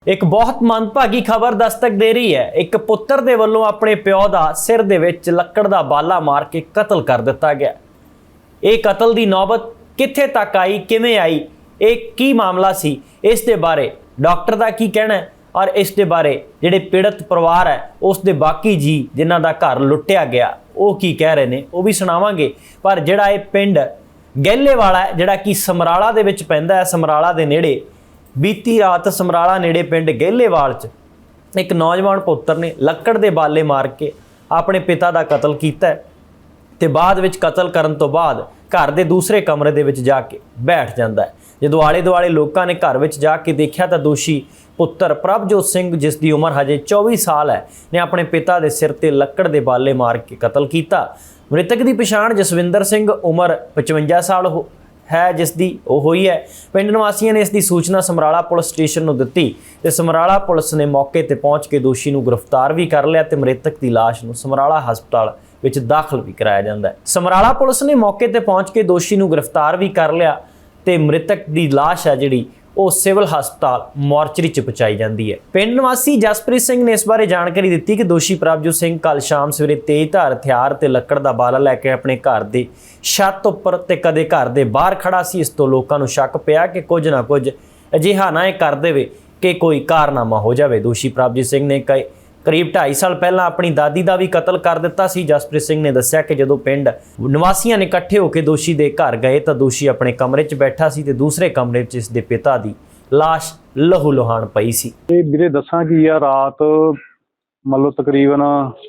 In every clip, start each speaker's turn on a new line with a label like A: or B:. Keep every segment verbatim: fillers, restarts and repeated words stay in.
A: एक बहुत मंदभागी खबर दस्तक दे रही है। एक पुत्र दे वल्लों अपने प्यो दा सिर दे विच लक्कड़ दा बाला मार के कतल कर दिता गया। ये कतल दी नौबत कित्थे तक आई, किवें आई, एक की मामला सी, इस दे बारे डॉक्टर दा की कहना है और इस दे बारे जिहड़े पीड़ित परिवार है उस दे बाकी जी जिन्हां दा घर लुट्टिया गया वो की कह रहे ने वो भी सुणावांगे। पर जिहड़ा ये पिंड गैलेवाला है जिहड़ा कि समराला दे विच पैंदा है, समराला दे नेड़े बीती रात समराला नेड़े पिंड गैलेवाल च एक नौजवान पुत्र ने लक्कड़ दे बाले मार के अपने पिता दा कतल कीता ते बाद विच कतल करन तो बाद घर दे दूसरे कमरे दे विच जाके बैठ जांदा है। जदों आले दुआले लोकां ने घर विच जाके देखिया तां दोषी पुत्र प्रभजोत सिंह जिस दी उम्र हजे चौबी साल है ने अपने पिता दे सिर ते लक्कड़ दे बाले मार के कतल कीता। मृतक की पछाण जसविंदर सिंह उम्र पचवंजा साल हो है जिसकी वो हुई है। पिंड निवासियों ने इसकी सूचना समराला पुलिस स्टेशन को दी ते समराला पुलिस ने मौके ते पहुँच के दोषी को गिरफ्तार भी कर लिया ते मृतक की लाश को समराला हस्पताल विच दाखिल भी कराया जाता है। समराला पुलिस ने मौके ते पहुँच के दोषी को गिरफ्तार भी कर लिया ते मृतक की लाश है जिहड़ी वो सिविल हस्पताल मोर्चरी च पहुँचाई जाती है। पिंड निवासी जसप्रीत सिंह ने इस बारे जानकारी दी कि दोषी प्रभजोत सिंह कल शाम सवेरे तेज धार हथियार ते लक्कड़ दा बाला लैके अपने घर के छत उपर ते कदे घर के बाहर खड़ा सी। इस तो लोगों को शक पिया कि कुछ ना कुछ अजिहा ना ये कर देवे कि कोई कारनामा हो जाए। दोषी प्रभजोत सिंह ने कई करीब ढाई साल पहला अपनी दादी का भी कतल कर दिता सी। जसप्रीत सिंह ने दस्सिया कि जदों पिंड निवासियों ने इकट्ठे होकर दोषी के घर गए तो दोषी अपने कमरे च बैठा सी ते दूसरे कमरे च इसके पिता की लाश लहू लुहान पई सी।
B: ये वीरे दसां कि यार रात मतलब तकरीबन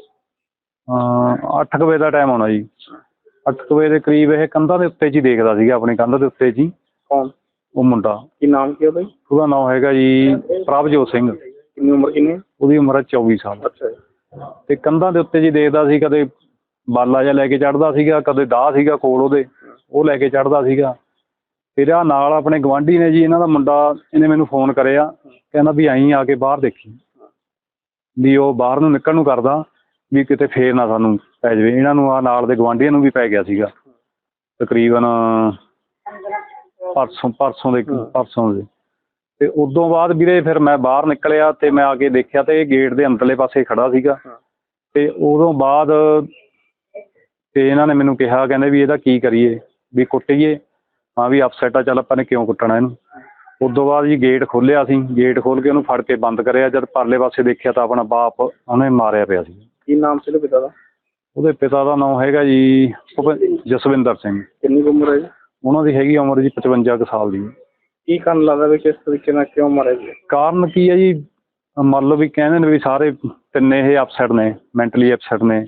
B: अठ बजे का टाइम होना जी। अठ बजे के करीब ये कंधा के उत्ते जी देखदा सीगा, अपनी कंध के उत्ते जी।
C: कौन
B: वो मुंडा
C: की नाम की है भाई?
B: ਉਹਦਾ ਨਾਮ ਹੈਗਾ ਜੀ ਪ੍ਰਭਜੋਤ ਸਿੰਘ।
C: कितनी उम्र कितनी?
B: ਉਹਦੀ ਉਮਰ ਹੈ ਚੌਵੀ ਸਾਲ।
C: अच्छा
B: ਤੇ ਕੰਧਾਂ ਦੇ ਉੱਤੇ ਜੀ ਦੇਖਦਾ ਸੀ, ਕਦੇ ਬਾਲਾ ਜਿਹਾ ਲੈ ਕੇ ਚੜ੍ਹਦਾ ਸੀਗਾ, ਕਦੇ ਦਾਹ ਸੀਗਾ ਕੋਲ ਉਹਦੇ ਉਹ ਲੈ ਕੇ ਚੜ੍ਹਦਾ ਸੀਗਾ। ਫਿਰ ਆ ਨਾਲ ਆਪਣੇ ਗਵਾਂਢੀ ਨੇ ਜੀ, ਇਹਨਾਂ ਦਾ ਮੁੰਡਾ, ਇਹਨੇ ਮੈਨੂੰ ਫੋਨ ਕਰਿਆ, ਕਹਿੰਦਾ ਵੀ ਆਈਂ ਆ ਕੇ ਬਾਹਰ ਦੇਖੀ ਵੀ ਉਹ ਬਾਹਰ ਨੂੰ ਨਿਕਲਣ ਨੂੰ ਕਰਦਾ ਵੀ ਕਿਤੇ ਫੇਰ ਨਾ ਸਾਨੂੰ ਪੈ ਜਾਵੇ। ਇਹਨਾਂ ਨੂੰ ਆ ਨਾਲ ਦੇ ਗਵਾਂਢੀਆਂ ਨੂੰ ਵੀ ਪੈ ਗਿਆ ਸੀਗਾ ਤਕਰੀਬਨ ਪਰਸੋਂ ਪਰਸੋਂ ਦੇ ਪਰਸੋਂ ਦੇ ਤੇ ਉਦੋਂ ਬਾਅਦ ਵੀਰੇ ਫਿਰ ਮੈਂ ਬਾਹਰ ਨਿਕਲਿਆ ਤੇ ਮੈਂ ਆ ਕੇ ਦੇਖਿਆ ਤੇ ਇਹ ਗੇਟ ਦੇ ਅੰਦਰਲੇ ਪਾਸੇ ਖੜਾ ਸੀਗਾ। ਤੇ ਉਦੋਂ ਬਾਅਦ ਤੇ ਇਹਨਾਂ ਨੇ ਮੈਨੂੰ ਕਿਹਾ, ਕਹਿੰਦੇ ਵੀ ਇਹਦਾ ਕੀ ਕਰੀਏ, ਵੀ ਕੁੱਟੀਏ? ਹਾਂ ਵੀ ਅਪਸੈਟ ਆ, ਚੱਲ ਆਪਾਂ ਨੇ ਕਿਉਂ ਕੁੱਟਣਾ ਇਹਨੂੰ। ਉਦੋਂ ਬਾਅਦ ਜੀ ਗੇਟ ਖੋਲ੍ਹਿਆ ਸੀ, ਗੇਟ ਖੋਲ੍ਹ ਕੇ ਉਹਨੂੰ ਫੜ ਕੇ ਬੰਦ ਕਰਿਆ। ਜਦ ਪਰਲੇ ਪਾਸੇ ਦੇਖਿਆ ਤਾਂ ਆਪਣਾ ਬਾਪ ਉਹਨੇ ਮਾਰਿਆ ਪਿਆ ਸੀ।
C: ਕੀ ਨਾਮ ਸੀ ਉਹਦੇ ਪਿਤਾ ਦਾ?
B: ਉਹਦੇ ਪਿਤਾ ਦਾ ਨਾਮ ਹੈਗਾ ਜੀ ਜਸਵਿੰਦਰ ਸਿੰਘ।
C: ਕਿੰਨੀ ਉਮਰ ਹੈ ਜੀ
B: ਉਹਨਾਂ ਦੀ ਹੈਗੀ ਉਮਰ ਜੀ ਪਚਵੰਜਾ ਕੁ ਸਾਲ ਦੀ।
C: ਕੀ ਕਾਰਨ ਲੱਗਦਾ ਵੀ ਕਿਸ ਤਰੀਕੇ ਨਾਲ ਕਿਉਂ ਮਾਰਿਆ ਜੀ?
B: ਕਾਰਨ ਕੀ ਹੈ ਜੀ, ਮੰਨ ਲਓ ਵੀ ਕਹਿੰਦੇ ਨੇ ਵੀ ਸਾਰੇ ਤਿੰਨੇ ਇਹ ਅਪਸੈਟ ਨੇ, ਮੈਂਟਲੀ ਅਪਸੈਟ ਨੇ।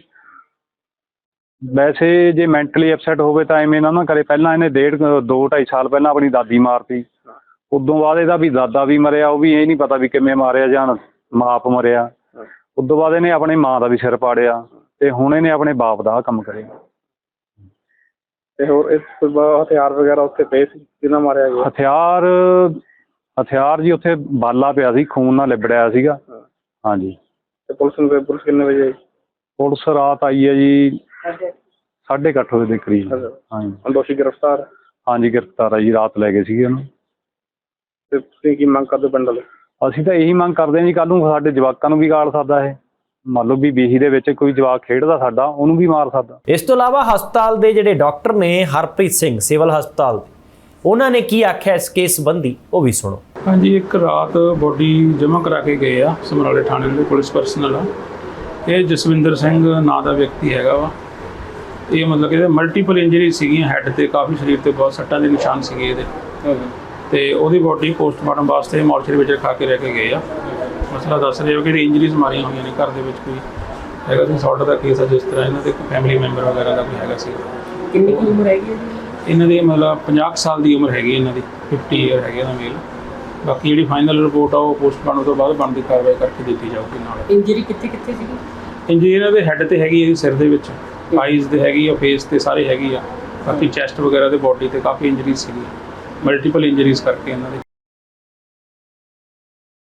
B: ਵੈਸੇ ਜੇ ਮੈਂਟਲੀ ਅਪਸੈਟ ਹੋਵੇ ਤਾਂ ਐਵੇਂ ਨਾ ਨਾ ਕਰੇ। ਪਹਿਲਾਂ ਇਹਨੇ ਡੇਢ ਦੋ ਢਾਈ ਸਾਲ ਪਹਿਲਾਂ ਆਪਣੀ ਦਾਦੀ ਮਾਰਤੀ। ਉਦੋਂ ਬਾਅਦ ਇਹਦਾ ਵੀ ਦਾਦਾ ਵੀ ਮਰਿਆ, ਉਹ ਵੀ ਇਹ ਨਹੀਂ ਪਤਾ ਵੀ ਕਿਵੇਂ ਮਾਰਿਆ ਜਾਂ ਮਾਪ ਮਰਿਆ। ਉਦੋਂ ਬਾਅਦ ਇਹਨੇ ਆਪਣੀ ਮਾਂ ਦਾ ਵੀ ਸਿਰ ਪਾੜਿਆ ਤੇ ਹੁਣ ਇਹਨੇ ਆਪਣੇ ਬਾਪ ਦਾ ਕੰਮ ਕਰਿਆ।
C: ਤੇ ਹੋਰ ਇਸ ਤੋਂ ਬਾਅਦ ਹਥਿਆਰ ਵਗੈਰਾ ਉੱਥੇ ਪਏ ਸੀ, ਕਿਹਨਾਂ ਮਾਰਿਆ ਗਿਆ?
B: ਹਥਿਆਰ ਹਥਿਆਰ ਜੀ ਉੱਥੇ ਬਾਲਾ ਪਿਆ ਸੀ, ਖੂਨ ਨਾਲ ਲਿਬੜਿਆ ਸੀਗਾ। ਹਾਂਜੀ।
C: ਤੇ ਪੁਲਿਸ ਨੂੰ ਪੁਲਿਸ ਕਿੰਨੇ ਵਜੇ ਆਈ?
B: ਪੁਲਿਸ ਰਾਤ ਆਈ ਹੈ ਜੀ ਸਾਢੇ ਕੁ ਅੱਠ ਵਜੇ ਦੇ ਕਰੀਬ। ਹਾਂਜੀ।
C: ਹੁਣ ਦੋਸ਼ੀ ਗ੍ਰਿਫਤਾਰ?
B: ਹਾਂਜੀ ਗ੍ਰਿਫਤਾਰ ਆ ਜੀ, ਰਾਤ ਲੈ ਗਏ ਸੀਗੇ ਉਹਨੂੰ।
C: ਤੇ ਤੁਸੀਂ ਕੀ ਮੰਗ ਕਰਦੇ ਪਿੰਡ ਵਾਲੇ?
B: ਅਸੀਂ ਤਾਂ ਇਹੀ ਮੰਗ ਕਰਦੇ ਹਾਂ ਜੀ, ਕੱਲ੍ਹ ਨੂੰ ਸਾਡੇ ਜਵਾਕਾਂ ਨੂੰ ਵੀ ਗਾਲ ਸਕਦਾ ਇਹ। ਮੰਨ ਲਓ ਵੀ ਬੀਹੀ ਦੇ ਵਿੱਚ ਕੋਈ ਜਵਾਕ ਖੇਡਦਾ ਸਾਡਾ, ਉਹਨੂੰ ਵੀ ਮਾਰ ਸਕਦਾ।
A: ਇਸ ਤੋਂ ਇਲਾਵਾ ਹਸਪਤਾਲ ਦੇ ਜਿਹੜੇ ਡਾਕਟਰ ਨੇ ਹਰਪ੍ਰੀਤ ਸਿੰਘ ਸਿਵਲ ਹਸਪਤਾਲ ਦੇ, ਉਹਨਾਂ ਨੇ ਕੀ ਆਖਿਆ ਇਸ ਕੇਸ ਸੰਬੰਧੀ ਉਹ ਵੀ ਸੁਣੋ।
D: ਹਾਂਜੀ, ਇੱਕ ਰਾਤ ਬੋਡੀ ਜਮ੍ਹਾਂ ਕਰਾ ਕੇ ਗਏ ਆ ਸਮਰਾਲੇ ਥਾਣੇ ਦੇ ਪੁਲਿਸ ਪਰਸਨਲ ਆ। ਇਹ ਜਸਵਿੰਦਰ ਸਿੰਘ ਨਾਂ ਦਾ ਵਿਅਕਤੀ ਹੈਗਾ ਵਾ। ਇਹ ਮਤਲਬ ਕਿ ਇਹਦੇ ਮਲਟੀਪਲ ਇੰਜਰੀ ਸੀਗੀਆਂ, ਹੈੱਡ ਤੇ ਕਾਫੀ, ਸਰੀਰ ਤੇ ਬਹੁਤ ਸੱਟਾਂ ਦੇ ਨਿਸ਼ਾਨ ਸੀਗੇ ਇਹਦੇ। ਤੇ ਉਹਦੀ ਬੋਡੀ ਪੋਸਟਮਾਰਟਮ ਵਾਸਤੇ ਮੋਰਚਰੀ ਵਿੱਚ ਰਖਾ ਕੇ ਰਹਿ ਕੇ ਗਏ ਆ। ਮਸਲਾ ਦੱਸ ਰਹੇ ਹੋ ਕਿ ਇੰਜਰੀਜ਼ ਮਾਰੀਆਂ ਹੋਈਆਂ ਨੇ, ਘਰ ਦੇ ਵਿੱਚ ਕੋਈ ਹੈਗਾ ਸੀ ਸੌਟ ਦਾ ਕੇਸ ਆ, ਜਿਸ ਤਰ੍ਹਾਂ ਇਹਨਾਂ ਦੇ ਫੈਮਿਲੀ ਮੈਂਬਰ ਵਗੈਰਾ ਦਾ ਕੋਈ ਹੈਗਾ ਸੀ।
E: ਕਿੰਨੀ ਕੁ ਉਮਰ ਹੈਗੀ ਹੈ ਜੀ
D: ਇਹਨਾਂ ਦੀ? ਮਤਲਬ ਪੰਜਾਹ ਸਾਲ ਦੀ ਉਮਰ ਹੈਗੀ ਇਹਨਾਂ ਦੀ, ਫਿਫਟੀ ਈਅਰ ਹੈਗੇ ਇਹਦਾ ਮੇਲ। ਬਾਕੀ ਜਿਹੜੀ ਫਾਈਨਲ ਰਿਪੋਰਟ ਆ ਉਹ ਪੋਸਟਮਾਰਟਮ ਤੋਂ ਬਾਅਦ ਬਣਦੀ ਕਾਰਵਾਈ ਕਰਕੇ ਦਿੱਤੀ ਜਾਊਗੀ। ਨਾਲ
E: ਇੰਜਰੀ ਕਿੱਥੇ ਕਿੱਥੇ ਸੀਗੀ?
D: ਇੰਜਰੀ ਇਹਨਾਂ ਦੇ ਹੈੱਡ ਤੇ ਹੈਗੀ ਹੈ, ਸਿਰ ਦੇ ਵਿੱਚ, ਆਈਜ਼ ਤੇ ਹੈਗੀ ਆ, ਫੇਸ ਤੇ ਸਾਰੇ ਹੈਗੀ ਆ। ਬਾਕੀ ਚੈਸਟ ਵਗੈਰਾ ਤੇ ਬੋਡੀ ਤੇ ਕਾਫੀ ਇੰਜਰੀਜ਼ ਸੀਗੀ, ਮਲਟੀਪਲ ਇੰਜਰੀਜ਼ ਕਰਕੇ ਇਹਨਾਂ ਦੇ।